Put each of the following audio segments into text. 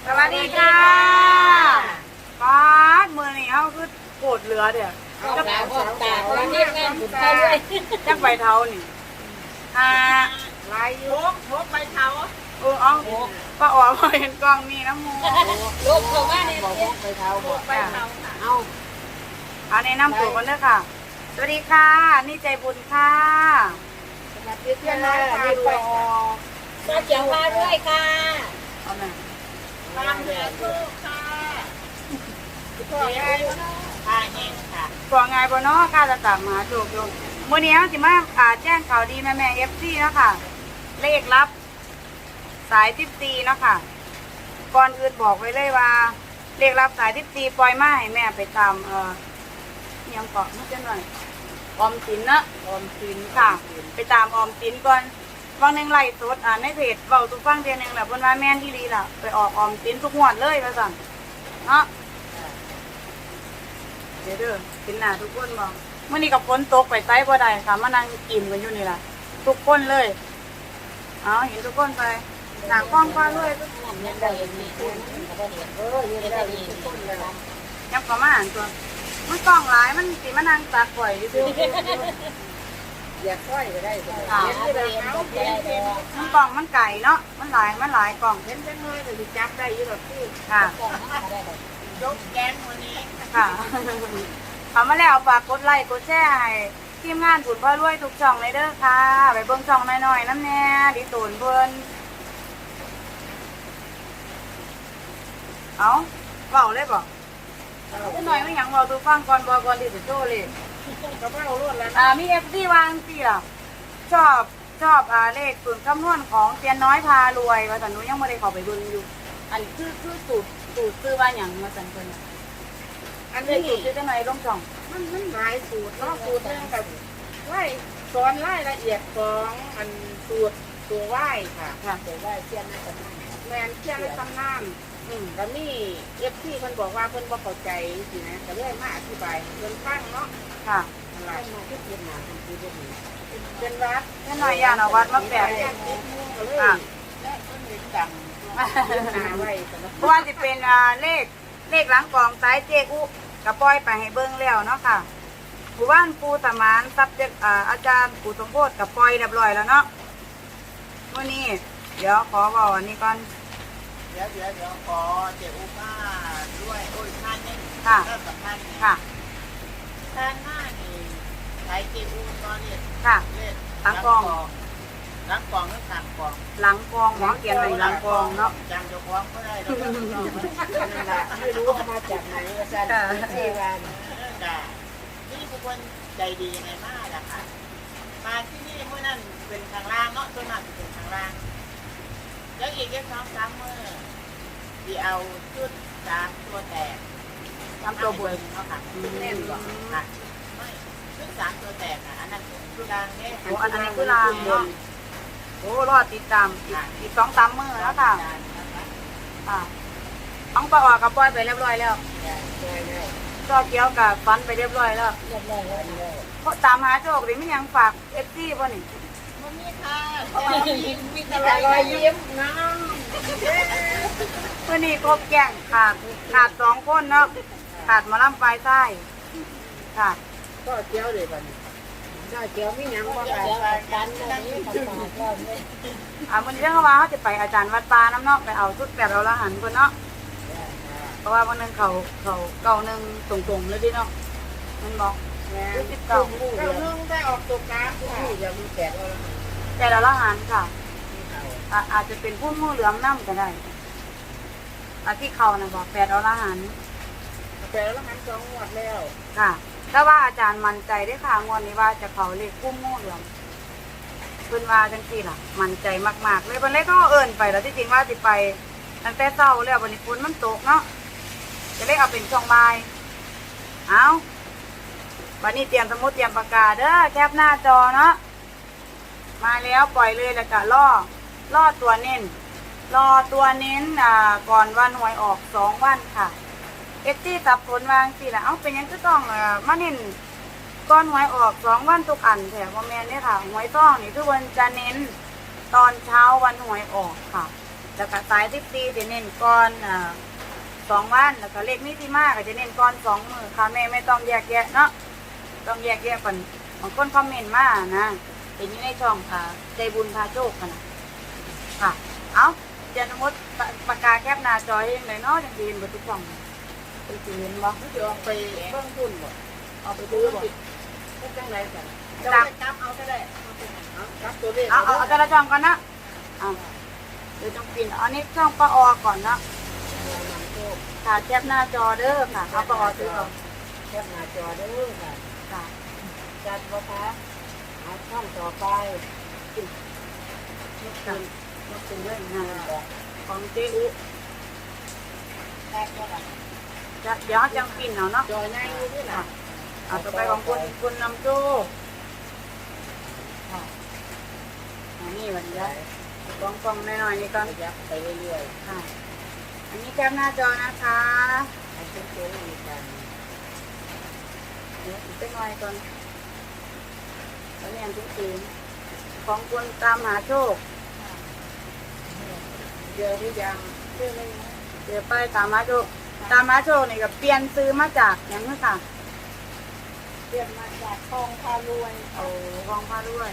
สวัสดีค่ะป้าดมือนี่เขาคือโกรธเหลือเดี๋ยวตาตาเรียกงานบุญเข้าด้วยจักใบเท้านี่ลายยุกพกใบเท้าเอาป้าอ๋อมาเห็นกล้องนี่นะมูลูกเขามาเนี่ยบอกพกใบเท้าบอกไปเอาแนะนำตัวกันเด้อค่ะสวัสดีค่ะนี่ใจบุญค่ะสวัสดีเพื่อนน้อยพาด้วยตาเจียวพาด้วยค่ะเอาแม่ตามเดือดลูกค่ะพ่อไงพาเองค่ะก่อนไงบ่เนาะค่ะจะตามหาโจกโยมมื้อนี้สิมาแจ้งข่าวดีแม่ๆ FC เนาะค่ะเลขลับสาย14เนาะค่ะก่อนอื่นบอกไว้เลยว่าเลขลับสาย14ปล่อยมาให้แม่ไปตามยังเกาะมันจะหน่อยออมสินนะออมสินค่ะ ไปตามออมสินก่อนวันหนึ่งไล่สดในเพจเบาทุกฟังเดือนหนึ่งแหละบนว่าแม่นที่รีล่ะไปออกออมสินทุกงวดเลยว่าสั่งเนาะเดี๋ยวเด้อสินหน้าทุกคนบอกเมื่อนี้กับฝนตกไปไซบ่ได้ค่ะมานั่งกินกันอยู่นี่ล่ะทุกคนเลยเอาเห็นทุกคนไปหนังกว้างกว้างด้วยทุกคนเงินได้มีคนก็เห็นเงินได้มีคนเลยยับประมาณตัวมันกล้องหลายมันสิมานั่งตาข่อยอยู่อยากค่อยก็ได้เห็นที่เราเอาเห็นมันกล่องมันไก่เนาะมันหลายกล่องเห็นจังเลยแต่จับได้อยู่หรอกพี่ค่ะยกแกนวันนี้ค่ะทำมาแล้วฝากกดไลค์กดแชร์ให้ทีมงานผุนพ่อรวยทุกช่องเลยเด้อค่ะไปเบิ่งช่องหน่อยๆน้ำแน่ดิตูนเพิ่นเอาเบาเลยบ่จะหน่อยไม่หยังเบาตัวฟังก่อนก่อนที่จะโจ้เลยกระเป๋ารวดแล้วมีFD วางสิล่ะชอบเลขสูตรคำนวณของเตียนน้อยพารวยว่าแต่หนูยังไม่ได้เข้าไปเบิ่งอยู่อันคือสูตรซื้อว่าหยังมาสั่นเพิ่นน่ะอันเลนี้ขสูตรซื้อจังไหนลงช่องมันหลายสูตรเนาะสูตรนึงกับไหว้สอนรายละเอียดของอันสูตรตัวไหว้ค่ะค่ะเดี๋ยวได้เสี้ยนน่าจะนั่งแมนเชี่ยในตำนานแล้วมีที่เพิ่นบอกว่าเพิ่นบ่เข้าใจสินะก็เลยมาอธิบายให้เพิ่นฟังเนาะค่ะนั่นล่ะมาที่เรียนมาทำที่เรียนมาเป็นวัดแค่หน่อยยานเอาวัดมาแปะญาติมุงก็เลยและเพิ่นเห็นจำหาไว้สำหรับเพราะว่าจะเป็นเลขหลังกองซ้ายเจอุกระปล่อยไปให้เบิ้งแล้วเนาะค่ะหมู่บ้านปูสมานซับเจอาจารย์ปูสมโพธิกับปล่อยเรียบร้อยแล้วเนาะวันนี้เดี๋ยวขอบอกอันนี้ก่อนเดี๋ยวขอเจ้าอุมาด้วยโอ้ยท่านนี่ค่ะเริ่มสัมพันธ์ค่ะท่านหน้านี่ใช้เจ้าอุตอนนี้ค่ะเล่นหลังกองหลังกองหรือข้างกองหลังกองหมอเขียนไว้หลังกองเนาะจำเจ้าของก็ได้แล้วก็นั่นแหละไม่รู้มาจากไหนอาจารย์ที่วันจ้ะนี่เป็นคนใจดียังไงมากอะค่ะ มาที่นี่เมื่อนั้นเป็นทางล่างเนาะส่วนมากจะเป็นทางล่าง แล้วอีกแค่2-3มื้อที่เอาชุด3ตัวแตกทำตัวบวยเนาะค่ะแน่นกว่าค่ะไม่ชุด3ตัวแตกอ่ะอันนั้นคือรางเนี่ยโอ้อันนี้คือลางเนาะโอ้รอดติดตามอีก2-3 มื้อแล้วค่ะค่ะต้องประออกกับปล่อยไปเรียบร้อยแล้วจอเกี้ยวกับฟันไปเรียบร้อยแล้วเรียบร้อยแล้วเพราะตามหาโจกหรือไม่ยังฝากFDป่ะนี่มันมีค่ะมีแต่รอยยิ้มน้ำเมื่อนี้ครบแก่งขาด2 คนเนาะขาดหมาล่ำปลายไส้ค่ะก็เจียวเลยป่ะนี่ก็เจียวมีหยังบ่เดี๋ค่ะยวกันวันนี้ของฝากเราเนี่ยมันเรื่องว่าเขาจะไปอาจารย์วัดปลาน้ำเนาะไปเอาชุดแบบเราละหันคนเนาะเพราะว่าวันนึงเขาเก่านึงตรงๆเลยดิเนาะมันบอกแม่ชุดเก่าเก่านึ่งได้ออกตัวกลางค่ะอย่ามีแตกเอาละแต่เราละหันค่ะอาจจะเป็นผู้มู่เหลืองน้ำก็ได้ที่เขานะบอก8เอาละหันแต่ละหัน2งวดแล้วค่ะถ้าว่าอาจารย์มั่นใจได้ค่ะงวดนี้ว่าจะเขาเลขผู้มู่เหลืองเพิ่นว่าจังซี่ล่ะมั่นใจมากๆเลยวันแรกก็เอิ้นไปแล้วที่จริงว่าสิไปตั้งแต่เช้าแล้ววันนี้ฝนมันตกเนาะจะเลยเอาเป็นช่องบ่ายเอาวันนี้เตรียมสมุดเตรียมปากกาเด้อแคปหน้าจอเนาะมาแล้วปล่อยเลยแล้วก็ล่อตัวเน้นก่อนวันหวยออก2 วันค่ะสับสนวางสิล่ะเอาเป็นยังก็ต้องมาเน้นก่อนหวยออก2 วันทุกอันแถมว่าแม่นเนี่ยค่ะหวยต้องนี่คือวันจะเน้นตอนเช้าวันหวยออกค่ะแล้วก็สาย14จะเน้นก่อน2 วันแล้วก็เลขมิติมาก็จะเน้นก่อน2 มื้อค่ะแม่ไม่ต้องแยกแยะเนาะต้องแยกแยะก่อนบางคนคอมเมนต์มานะเห็นอยู่ในช่องใจบุญพาโชคกันนะค่ะเอาเจนมดปากกาแคบหน้าจอให้ยังไงเนาะจังสิเห็นเบ่ทุกช่องไปสิเห็นบ่มันจะออกไปเบิ่งทุนบ่เอาไปซื้อบ่ก็จังไรกันจับจับเอาก็ได้เอาจับตัวเลขเอาแต่ละช่องก่อนนะเอาเดี๋ยวต้องปินอันนี้ช่องป้าออก่อนนะค่ะแคบหน้าจอเด้อค่ะเอาป้าออซื้อก่อนแคปหน้าจอเด้อค่ะค่ะจัดบ่คะเอาช่องต่อไปค่ะมาซื้อเลยนะของเจ๊อุแตกบ่ล่ะจะเดี๋ยวจังปินเอาเนาะจอใหญ่อยู่ด้วยล่ะเอาต่อไปของคุณนำโจ้ค่ะอันนี้วันนี้กองๆหน่อยๆนี่ก่อนยับไปเรื่อยค่ะ อันนี้แคบหน้าจอนะคะๆให้เป็นตัวเลขกันเดี๋ยวอีกสักหน่อยก่อนแล้วเรียนทุกทีของคุณตามหาโชคเจอหรือยังเดี๋ยวไปตามหาโชคตามหาโชคนี่ก็เปลี่ยนซื้อมาจากอย่างนี้ค่ะเรียนมาจากคลองพารวยเอากองผ้าด้วย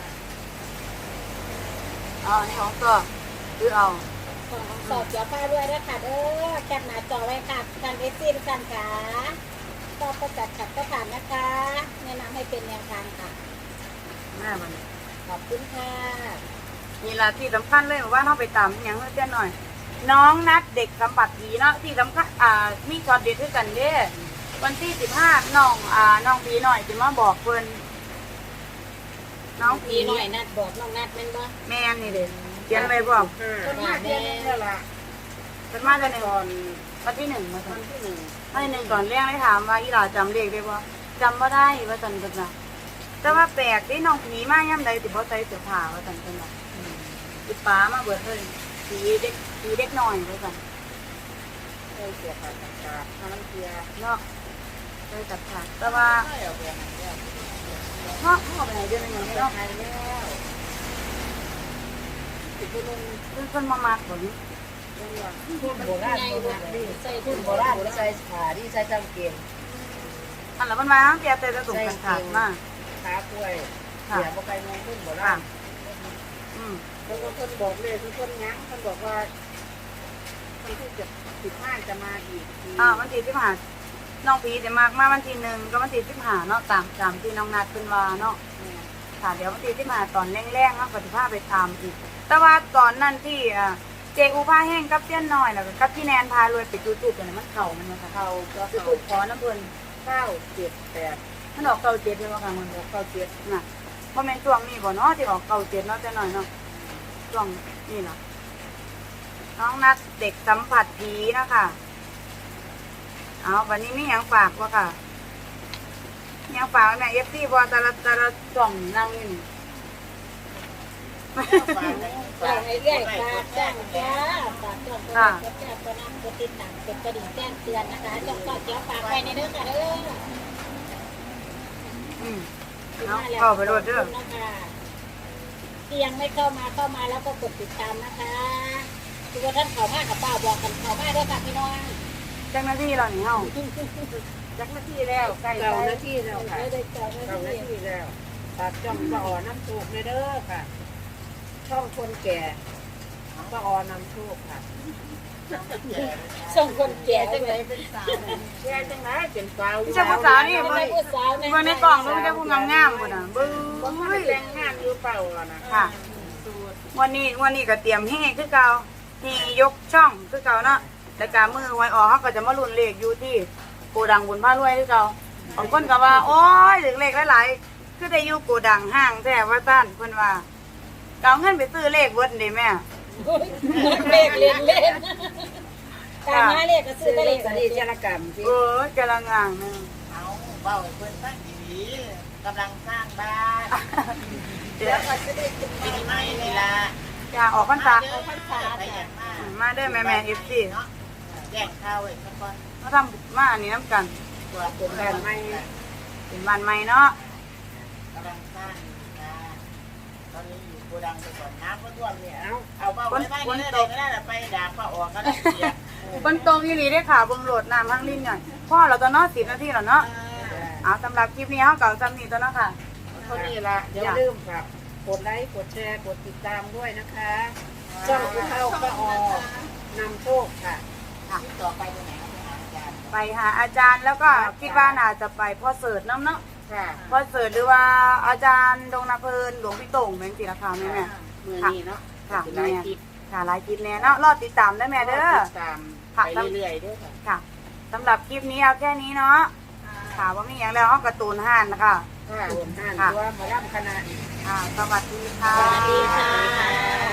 อ๋ออันนี้ของตัวซื้อเอาของสอบเดี๋ยวพารวยด้วยค่ะเด้อแคปหน้าจอไว้ค่ะการเอซี่ทุกท่านค่ะก็ประจัดขัดก็ผ่านนะคะแนะนำให้เป็นแนวทางค่ะแม่มันขอบคุณค่ะนี่ละที่สำคัญเลยว่าเราไปตามอย่างเพื่อนหน่อย น้องนัดเด็กสัมผัสผีเนาะที่สำคัญมีช็อตเด็ดด้วยกันเด้วันที่15น้องผีหน่อยจะมาบอกเพิ่นน้องผีมีหน่อยนัดบอกน้องนัดแม่นบ่แม่นี่เด็เขียนไว้บอกคนมาเดือนนึงแล้วล่ะเพิ่นมาจะหนึ่งวันที่1มาวัสั่นนที่หนึ่งวันที่1ก่อนเรียกได้ถามว่าอีหลาจำเลขได้บ่จำบ่ได้ว่าสั่นเพิ่นน่ะแต่ว่าแปลกที่น้องผีมาย่ำใดสิบ่ใส่เสื้อผ้าว่าสั่นเพิ่นน่ะสิป้ามาเบิดเลยผีเด็กน้อยว่าสั่นเคยเสียค่าจัดการน้ำเกลือเนาะเลยจับขาดแต่ว่าไม่เอาไปไหนแล้วเนาะเอาไปไหนเดือนนึงอย่างนี้เนาะเนาะไทยแล้วติดนุ่มเพิ่นมามากบ่นี้ทุ่นโบราณใส่ทุ่นโบราณใส่ขาที่ใส่จำเกงอันละมันมาเปียแต่จะส่งกันขาดมากขากล้วยค่ะเสียบ่ไปมองทุ่นโบราณอืมแล้วก็คนบอกเลยทุกคนยั้งคนบอกว่าคนที่จะ15จะมาอีกวันที่15น้องผีจะมากมาวันที่1ก็วันที่15เนาะตามที่น้องนัดเพิ่นว่าเนาะค่ะเดี๋ยววันที่15ตอนแรงๆเนาะก็สิพาไปตามอีกแต่ว่าตอนนั้นที่เจอูพาแห้งกับเตี้ยนน้อยแล้วก็กับพี่แนนพารวยไปจุดๆกันมันเข้ามันว่าค่ะเขาก็จุเขาดขอน้ำเพิ่น 978 มันออก97เลยว่าค่ะมัน 9 น่ะบ่แม่นช่วงนี้บ่เนาะที่ออก97เนาะแต่น้อยเนาะช่วงนี่เนาะน้องนัดเด็กสัมผัสผีนะคะเอาวันนี้มีหยังฝากบ่ค่ะมีหยังฝากไว้แม่ FC บ่แต่ละช่องนั่งอยู่นี่ฝากให้เรื่อยฝากแจ้งจ้าฝากจ้องก็ได้ก็แจ้งก็นั่งก็ติดตามกดกระดิ่งแจ้งเตือนนะคะจ้องก็เดี๋ยวฝากไว้ในเด้อค่ะเด้ออืมเอาเข้าไปโลดเด้อที่ยังไม่เข้ามาแล้วก็กดติดตามนะคะทุกท่านเข้ามากับป้าบอกกันเข้ามาด้วยค่ะพี่น้องจังหน้าที่เรานี่เฮาจักนาทีแล้วใกล้เก้านาทีแล้วค่ะได้เก้าเอานาหน้าทีที่แล้วฝากจ้องป้าอ๋อน้ำถูกเลยเด้อค่ะ ช่องคนแก่ป้าอ๋อนำโชคค่ะ ช่องคนแก่จังไหนเป็นสาวแก่จังไหนเป็นสาวพี่เจ้าผู้สาวนี่เบิ่เบิ่งงผู้สาวเบิ่งในกล่องเบิ่งเจ้าผู้งามๆพุ่นน่ะเบิ่งบ่ทันได้แต่งงานอยู่เปล่าอ่ะนะค่ะวันนี้ก็เตรียมเฮคือเก่าที่ยกช่องคือเก่าเนาะแล้วก็มือไว้ออกเฮาก็จะมาลุ้นเลขอยู่ที่โกดังบุญพารวยคือเก่าบางคนก็ว่าโอ๊ยถึงเลขหลายๆคือได้อยู่โกดังห้างแท้ว่าซั่นเพิ่นว่าก็เอาเงินไปซื้อเลขเบิดนี่แม่เลขเล่นการหาเลขก็ซื้อได้เลขสดีจารกรรมที่เออกำลังงางนึงเอาเบาเพิ่นตั้งดีๆกำลังสร้างบ้านเดี๋ยวปีใหม่นี่ล่ะจะออกพรรษาเด้อพรรษาไปอย่างมากมาเด้อแม่ FC เนาะแจ้งข่าวไว้สักก่อนมาทำมาอันนี้น้ำกันตัวเป็นแบบไม่เป็นบ้านใหม่เนาะกำลังสร้างนะกตอนนี้อยู่โกดังไปก่อนน้ำก็ท่วมเนี่ยเอาเอาไว้บ้านนี้ได้ก็ได้ไปด่าป้าออกก็ได้เสียบนตรงอีหลีได้อค่ะเบิ่งโหลดน้ำทั้งลิ้นหน่อยพ่อเราจะเนาะ10 นาทีแล้วเนาะเอาสำหรับคลิปนี้เฮาเก่าจำนี้ตัวเนาะค่ะเท่านี้ละอย่าลืมครับกดไลค์กดแชร์กดติดตามด้วยนะคะช่องผู้เฒ่าป้าออนำโชคค่ะที่ต่อไปตรงไหนครับอาจารย์ไปหาอาจารย์แล้วก็คิดว่าน่าจะไปพ่อเสิร์ชน้ำเนาะค่ะพ่อเสิร์ชหรือว่าอาจารย์ดงนาเพลินหลวงพี่โต่งแม่งสิราคาแม่แม่มือนี้เนาะค่ะสิแม่ไลฟ์คลิปค่ะหลายคลิปแน่เนาะรอติดตามได้แม่เด้อติดตามไปเรื่อยๆด้วยค่ะค่ะสำหรับคลิปนี้เอาแค่นี้เนาะค่ะว่ามีอย่างแล้วห้องการ์ตูนห่านนะคะค่ะโอนห้านตัวมาล่ำคณะค่ะสวัสดีค่ะสวัสดีค่ะ